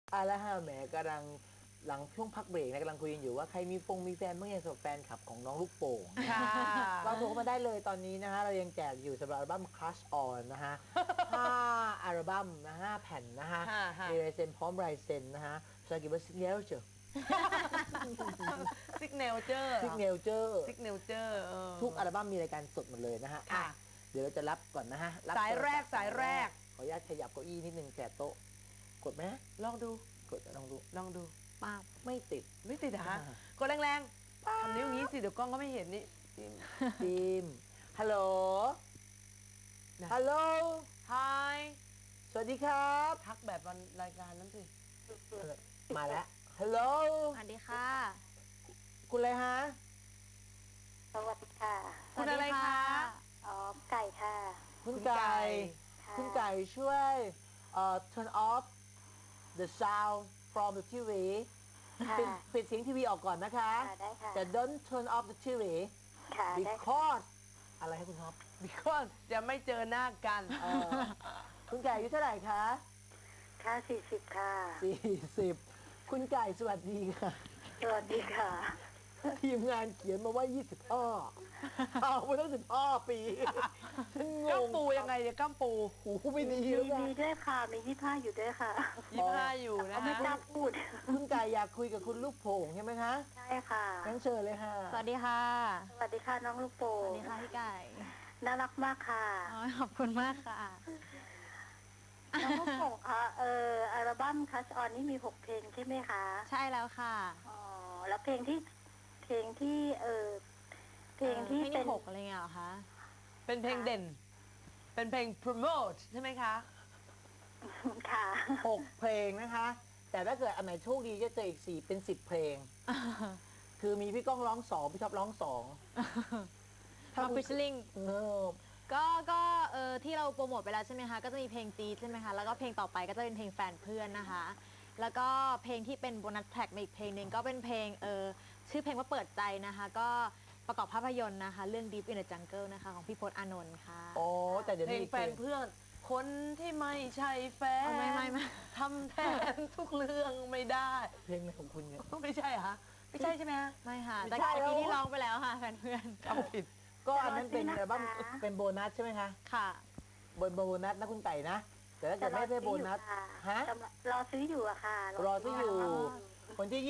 แล้วฮะแหมกำลังหลังช่วงพักเบรกนะกำลังคุยกันอยู่ว่าใครมีแฟนบ้างยังสำหรับแฟนคลับของน้องลูกโป่งค่ะเราโทรเข้ามาได้เลยตอนนี้นะฮะเรายังแจกอยู่สำหรับอัลบั้ม Crush On นะฮะ 5 อัลบั้มนะ5 แผ่นนะฮะค่ะมีลายเซ็นพร้อมลายเซ็นนะฮะภาษาอังกฤษว่า signature ซิกเนลเจอร์ signature ซิกเนลเจอร์ทุกอัลบั้มมีรายการสดหมดเลยนะฮะค่ะอ่ะเดี๋ยวเราจะรับก่อนนะฮะบสายแรกโทศัพท์สายแรกขออนุญาตขยับเก้าอี้นิดนึงแสบโต๊ะกดไหมฮะลองดูกดลองดูลองดูป้าบไม่ติดไม่ติดเหรอฮะอ่ากดแรงๆทำนิ้วอย่างนี้สิ เดี๋ยวกล้องก็ไม่เห็นนี่ทีมฮัลโหลนะฮัลโหล Hi สวัสดีครับทักแบบวันรายการนั้นสิมาแล้วฮัลโหลสวัสดีค่ะคุณอะไรฮะสวัสดีค่ะคุณอะไรคะอ๋อ ไก่ค่ะคุณไก่ค่ะคุณไก่ช่วย turn off the sound from the TV ค่ะปิดเสียงทีวีออกก่อนนะคะค่ะได้ค่ะแต่ don't turn off the TV ค่ะ ได้ค่ะ because อะไรให้คุณท็อป because จะไม่เจอหน้ากันคุณไก่อายุเท่าไหร่คะค่ะ40 ค่ะ 40 คุณไก่สวัสดีค่ะสวัสดีค่ะทีมงานเขียนมาว่า 25เอามาตั้ง15 ปี ฉันงก้ามงปูยังไงเนี่ยก้ามปูหูไม่ดีมีแล้วนะด้วยค่ะ มี25อยู่ด้วยค่ะ 25อยู่นะไม่กล้าคะพูดคุณไก่อยากคุยกับคุณลูกโป่งใช่ไหมคะใช่ค่ะงั้นเชิญเลยค่ะสวัสดีค่ะสวัสดีค่ะน้องลูกโป่สวังสดีค่ะพี่ไก่น่ารักมากค่ะอ๋อขอบคุณมากค่ะน้องลูกโป่งคะอัลบั้มคัชออนนี่มี6เพลงใช่ไหมคะใช่แล้วค่ะอ๋อ แล้วเพลงที่เพลงที่เพลงเป็นที่6อะไรเงี้ยเหรอคะเป็นเพลงเด่น เป็นเพลง promote ใช่ไหมคะค่ะ 6 เพลงนะคะ แต่ถ้าเกิดอันไหนโชคดีจะเจออีก 4 เป็น 10 เพลง คือมีพี่ก้องร้อง 2 พี่ท็อปร้อง 2 มาฟิชลิงเออก็ที่เราโปรโมทไปแล้วใช่ไหมคะ ก็จะมีเพลงจี๊ดใช่ไหมคะ แล้วก็เพลงต่อไปก็จะเป็นเพลงแฟนเพื่อนนะคะ แล้วก็เพลงที่เป็นโบนัสแทร็กมาอีกเพลงหนึ่งก็เป็นเพลงชื่อเพลงว่าเปิดใจนะคะ ก็ประกอบภาพยนตร์นะคะ เรื่อง Deep in the Jungle นะคะของพี่พจน์อานนท์ค่ะโอ้แต่เดี๋ยวเพลนี้งอีกแฟนเพื่อน คนที่ไม่ใช่แฟนอ๋อไม่ทำแทนทุกเรื่องไม่ได้เพลงอะไรของคุณเนี่ยไม่ใช่เหรอฮะไม่ใช่ใช่ไหมฮะไม่ค่ะไม่แต่ใช่แล้วปีที่ร้องไปแล้วค่ะแฟนเพื่อนจำผิดก็อันนั้นเป็นแต่อัลบั้มว่าเป็นโบนัสใช่ไหมคะค่ะโบนัสนะคุณไก่นะ แต่ถ้าเกิดไม่ใช่โบนัส ฮะรอซื้ออยู่อะค่ะรอซื้ออยู่ วันที่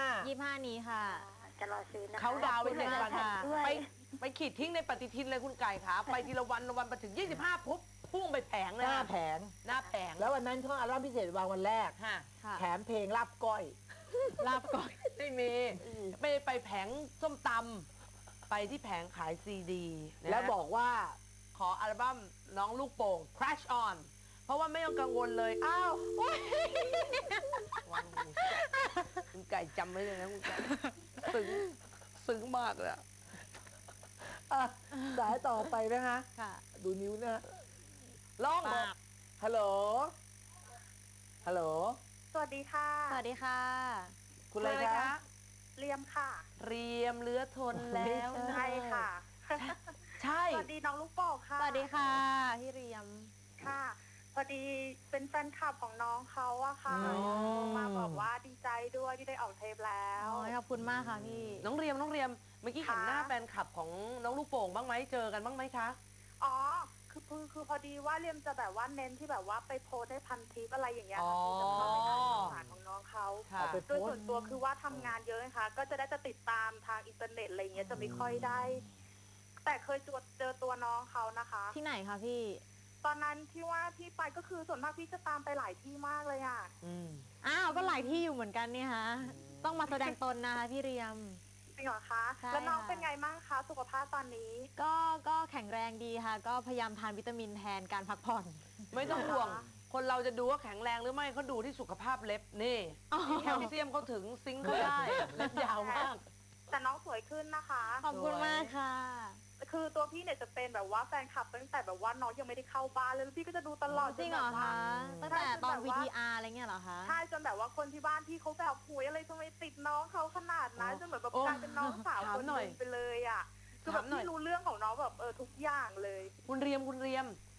25 นี้ค่ะจะรอซื้อนะคะเขาดาวน์ไปขอบคุณ 7 มากวันค่ะด้วยไปขีดทิ้งในปฏิทินเลยคุณไก่ขาไปทีละวันละวันไปถึง 25 ปุ๊บพุ่งไปแผงเลยหน้าแผงหน้าแผงแล้ววันนั้นช่วงอัลบั้มพิเศษวางวันแรกฮะค่ะแถมเพลงลาบก้อยลาบก่อนไม่มีไม่ได้ไปแผงส้มตำไปที่แผงขายซีดีนะแล้วบอกว่าขออัลบั้มน้องลูกโป่ง Crash On เพราะว่าไม่ต้องกังวลเลย อ้าววางหูคุณไก่จำไว้เลยนะคุณไก่ซึ้งมากเลยอะอ่ะสายต่อไปนะคะค่ะดูนิ้วนะฮะร้องปากฮัลโหล ฮัลโหลสวัสดีค่ะสวัสดีค่ะคุณอะไรคะเรียมค่ะเรียมเลือทนแล้วนะใช่ค่ะใช่สวัสดีน้องลูกโป่งค่ะสวัสดีค่ะพี่เรียมค่ะ พอดีเป็นแฟนคลับของน้องเขาอะค่ะอ๋อมาบอกว่าดีใจด้วยที่ได้ออกเทปแล้วอ๋อขอบคุณมากค่ะพี่น้องเรียมเมื่อกี้เห็นค่ะหน้าแฟนคลับของน้องลูกโป่งบ้างไหมเจอกันบ้างไหมคะอ๋อ คือพอดีว่าเรียมจะแบบว่าเน้นที่แบบว่าไปโพสต์ให้พันทิปอะไรอย่างเงี้ยอ๋อค่ะที่จะเข้าไปอ่านข่าวสารของน้องเขาค่ะเอาไปโดยส่วนตัวคือว่าทำงานเยอะนะคะ ก็จะได้จะติดตามทางอินเทอร์เน็ตอะไรเงี้ยจะไม่ค่อยได้ แต่เคยเจอตัวน้องเขานะคะที่ไหนคะพี่ตอนนั้นที่ว่าที่ไปก็คือส่วนมากพี่จะตามไปหลายที่มากเลยอ่ะอืมอ้าวก็หลายที่อยู่เหมือนกันเนี่ยฮะ ต้องมาแสดงตนนะคะพี่เรียมจริงเหรอคะใช่แล้วน้องค่ะเป็นไงบ้างคะสุขภาพตอนนี้ก็แข็งแรงดีค่ะ ก็พยายามทานวิตามินแทนการพักผ่อนไม่ต้องห่วง คนเราจะดูว่าแข็งแรงหรือไม่เขาดูที่สุขภาพเล็บนี่อ๋อแคลเซียมเขาถึงซิงค์เขาได้เล็บยาวมากแต่น้องสวยขึ้นนะคะขอบคุณมากค่ะคือตัวพี่เนี่ยจะเป็นแบบว่าแฟนคลับตั้งแต่แบบว่าน้องยังไม่ได้เข้าบ้านเลยแล้วพี่ก็จะดูตลอดจริงเหรอแบบว่าคะตั้งแต่ตอน VTR อะไรเงี้ยเหรอคะใช่จนแบบว่าคนที่บ้านพี่เขาแบบหุยอะไรทำไมติดน้องเขาขนาดนั้นจนเหมือนแบบโอ้กลายเป็นน้องสาวถามคนหน่อยนึงไปเลยอ่ะคือแบบถามหน่อยพี่รู้เรื่องของน้องแบบทุกอย่างเลยคุณเรียมค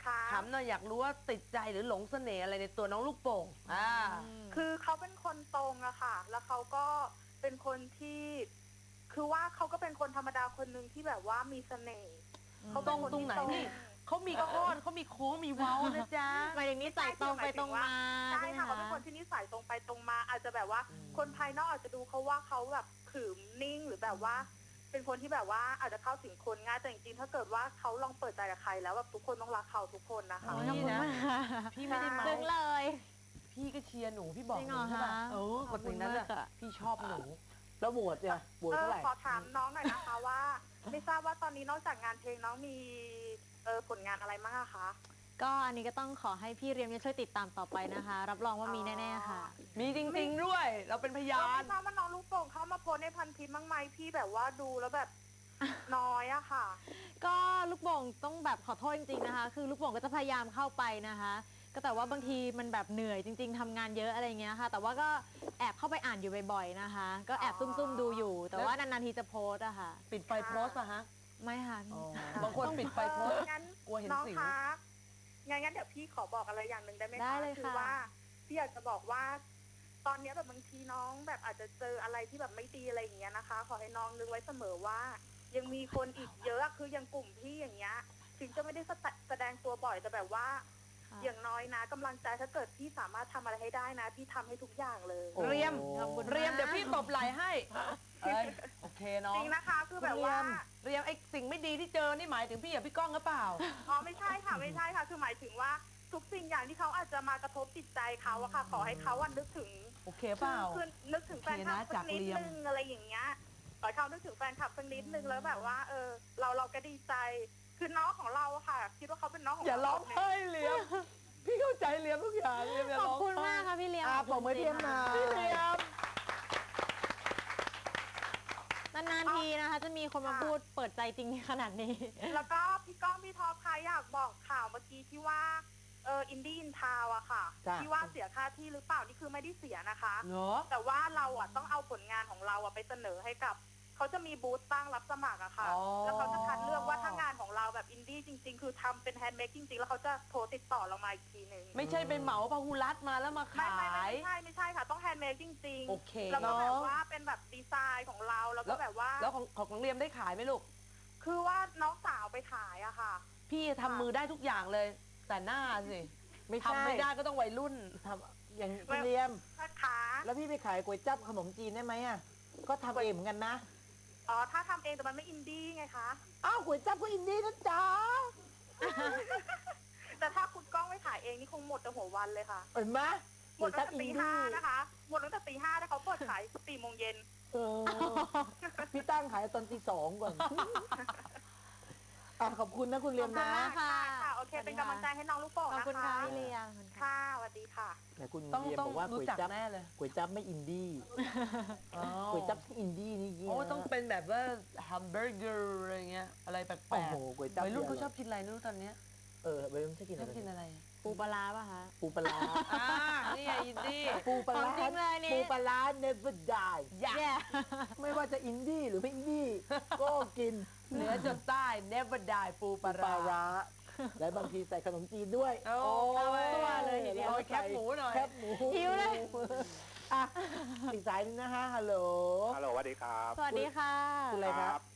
ค่ะถามหน่อยอยากรู้ว่าติดใจหรือหลงเสน่ห์อะไรในตัวน้องลูกโป่งคือเขาเป็นคนตรงอะค่ะ แล้วเขาก็เป็นคนที่ คือว่าเขาก็เป็นคนธรรมดาคนหนึ่งที่แบบว่ามีเสน่ห์เขาตเป็รนงคนตรงที่ไหนตรงนี่เขามีโค้อนเขามีโค้งมีเว้านะจ๊ะหมายถึงนิสัยตรงไปตรงมาใช่ใช่ไหมค่ะเขาคะเป็นคนที่นิสัยตรงไปตรงมา อาจจะแบบว่า คนภายนอกอาจจะดูเขาว่าเขาแบบขรึมนิ่งหรือแบบว่า เป็นคนที่แบบว่าอาจจะเข้าถึงคนง่ายแต่จริงๆถ้าเกิดว่าเขาลองเปิดใจกับใครแล้วแบบทุกคนต้องรักเขาทุกคนนะคะโอ้ยขอบคุณมากค่ะพี่ไม่ได้เมาซึ้งเลยพี่ก็เชียร์หนูพี่บอกจริงหเหรนูอใช่ป่ะคะกดอย่างนั้นขอบคุณมากอะอะพี่ชอบหนูแล้วโหวตเนี่ยโหวตเท่าไหร่ขอถามน้องหน่อยนะคะว่า ไม่ทราบว่าตอนนี้นอกจากงานเพลงน้องมีผลงานอะไรบ้างอะคะก็อันนี้ก็ต้องขอให้พี่เรียมเนี่ยช่วยติดตามต่อไปนะคะ รับรองว่ามีแน่ๆค่ะมีจริงๆด้วย เราเป็นพยาไม่นทราบว่าน้องลูกโป่งเข้ามาโพสในพันทิปบ้างไหมพี่แบบว่าดูแล้วแบบ น้อยอะค่ะก็ลูกโป่งต้องแบบขอโทษจริงๆนะคะ คือลูกโป่งก็จะพยายามเข้าไปนะคะ ก็แต่ว่าบางทีมันแบบเหนื่อยจริง ๆทำงานเยอะอะไรเงี้ยค่ะ แต่ว่าก็แอบเข้าไปอ่านอยู่บ่อยๆนะคะ ก็แอบซุ่มๆดูอยู่ แต่ว่านานๆทีจะโพสต์อะค่ะปิดไฟโพสต์อะฮะไม่ค่ะอ๋อบางคนปิดไฟโพสต์งั้นกลัวเห็นน้องสิวคะงั้นเดี๋ยวพี่ขอบอกอะไรอย่างหนึ่งได้ไหมได้คะเลยคืค่ะว่าพี่อยากจะบอกว่า ตอนเนี้ยแบบบางทีน้องแบบอาจจะเจออะไรที่แบบไม่ดีอะไรอย่างเงี้ยนะคะ ขอให้น้องนึกไว้เสมอว่า ยังมีคนอีกเยอะคืออย่างกลุ่มพี่อย่างเงี้ย ถึงจะไม่ได้แสดงตัวบ่อยแต่แบบว่าค่ะอย่างน้อยนะกำลังใจถ้าเกิดพี่สามารถทำอะไรให้ได้นะ พี่ทำให้ทุกอย่างเลยโอ้เรียมขอบคุณเรียมเดี๋ยวพี่ตบไหล่ให้เอ้ยโอเคน้อจงริงนะคะคือแบบว่าเรียมไอ้สิ่งไม่ดีที่เจอนี่หมายถึงพี่กับพี่ก้องหรือเปล่าอ๋อไม่ใช่ค่ะไม่ใช่ค่ะ คือหมายถึงว่าทุกสิ่งอย่างที่เขาอาจจะมากระทบจิตใจเขาอะค่ะ ขอให้เขาอะนึกถึงโอเคเปล่าคือนึกถึงแฟนคลับโอเคนะสักนิดจากเรียมนึงอะไรอย่างเงี้ยขอให้เขานึกถึงแฟนคลับสักนิดนึงแล้วแบบว่า เราก็ดีใจ คือน้องของเราอะค่ะ คิดว่าเขาเป็นน้องของอย่าเราร้องไห้เรียม พี่เข้าใจเรียมทุกอย่างเรียมอย่าขอบร้องคุณมากค่ะพี่เลี้ยงปรบมือให้พี่เอ็มหน่อยพี่เรียมนานๆทีนะคะ จะมีคนมาพูดเปิดใจจริงขนาดนี้แล้วก็พี่ก้องพี่ท็อปค่ะอยากบอกข่าวเมื่อกี้ที่ว่าอินดี้อินทาวอะค่ะจ้ะที่ว่าเสียค่าที่หรือเปล่านี่คือไม่ได้เสียนะคะเนอะแต่ว่าเราอะต้องเอาผลงานของเราอะไปเสนอให้กับเขาจะมีบูธตั้งรับสมัครอะค่ะอ๋อแล้วเขาจะคัดเลือกว่าถ้างานของเราแบบอินดี้จริง ๆ คือทำเป็นแฮนด์เมดจริง ๆ แล้วเขาจะโทรติดต่อเรามาอีกทีหนึ่งไม่ใช่ไปเหมาพาหุรัตมาแล้วมาไม่ขายไม่ใช่ค่ะ ต้องแฮนด์เมดจริงโอเคแล้วก็เนอะแบบว่าเป็นแบบดีไซน์ของเราแล้วก็แบบว่าแล้วของเรียมได้ขายไหมลูกคือว่าน้องสาวไปขายอะค่ะพี่ทำมือได้ทุกอย่างเลย แต่หน้าสิไม่ใช่ทำไม่ได้ก็ต้องวัยรุ่นทำอย่างคุณเรียมนะคะแล้วพี่ไปขายก๋วยจั๊บขนมจีนได้ไหมอ่ะ ก็ทำเองเหมือนกันนะอ๋อถ้าทำเองแต่มันไม่อินดี้ไงคะอ้าวก๋วยจั๊บก็อินดี้นะจ๊ะแต่ถ้าคุณก้องไม่ขายเองนี่คงหมดแต่หัววันเลยค่ะเห็นไหมหมก๋วดยตั้จั๊งบแต่อินตีดี้ห้านะคะหมดตั้งแต่ตีห้าแล้วเขาเปิดขาย4 โมงเย็นเออพี่ตั้งขายตอนตี 2ก่อนอ่ะขอบคุณนะคุณเรียมขอบคุณนะมาก ค่ะค่ะ โอเค เป็นกำลังใจให้น้องลูกโป่งขอบนะคุณคะค่ะพี่เลี้ยงขอบคุณค่ะค่ะสวัสดีค่ะแต่คุณต้องเรียมต้องบอกว่ารู้ก๋วยจักจั๊บแน่เลยก๋วยจั๊บไม่อินดี้อ๋อก๋วยจั๊บอินดี้นี่เยี่ยโอ้ต้องเป็นแบบว่าแฮมเบอร์เกอร์อะไรเงี้ยอะไรแปลโอ้กโหก๋วยจั๊บๆวัยรุ่นเขาชอบกินอะไรไม่รู้ตอนเนี้ยวัยรุ่นชอบกินชอะอบไรกินอะไรปูปลาร้าป่ะคะปูปลาร้านี่ไงอินดี้ปูปลาร้าของจริงเลยนี่ปูปลาร้า never die อยากแย่ไม่ว่าจะอินดี้หรือไม่อินดี้ ก็กินเหนือจนใต้ never die ปูปปลาลาร้าร้า และบางทีใส่ขนมจีนด้วยโอ้ตัวเลยทีเดียวโอ้แคบหมูหน่อยแคบหมูหิวเลยอ่ะอีกสายหนึงนะฮะฮัลโหลฮัลโหลสวัสดีครับสวัสดีค่ะคุณอะไรครับครับ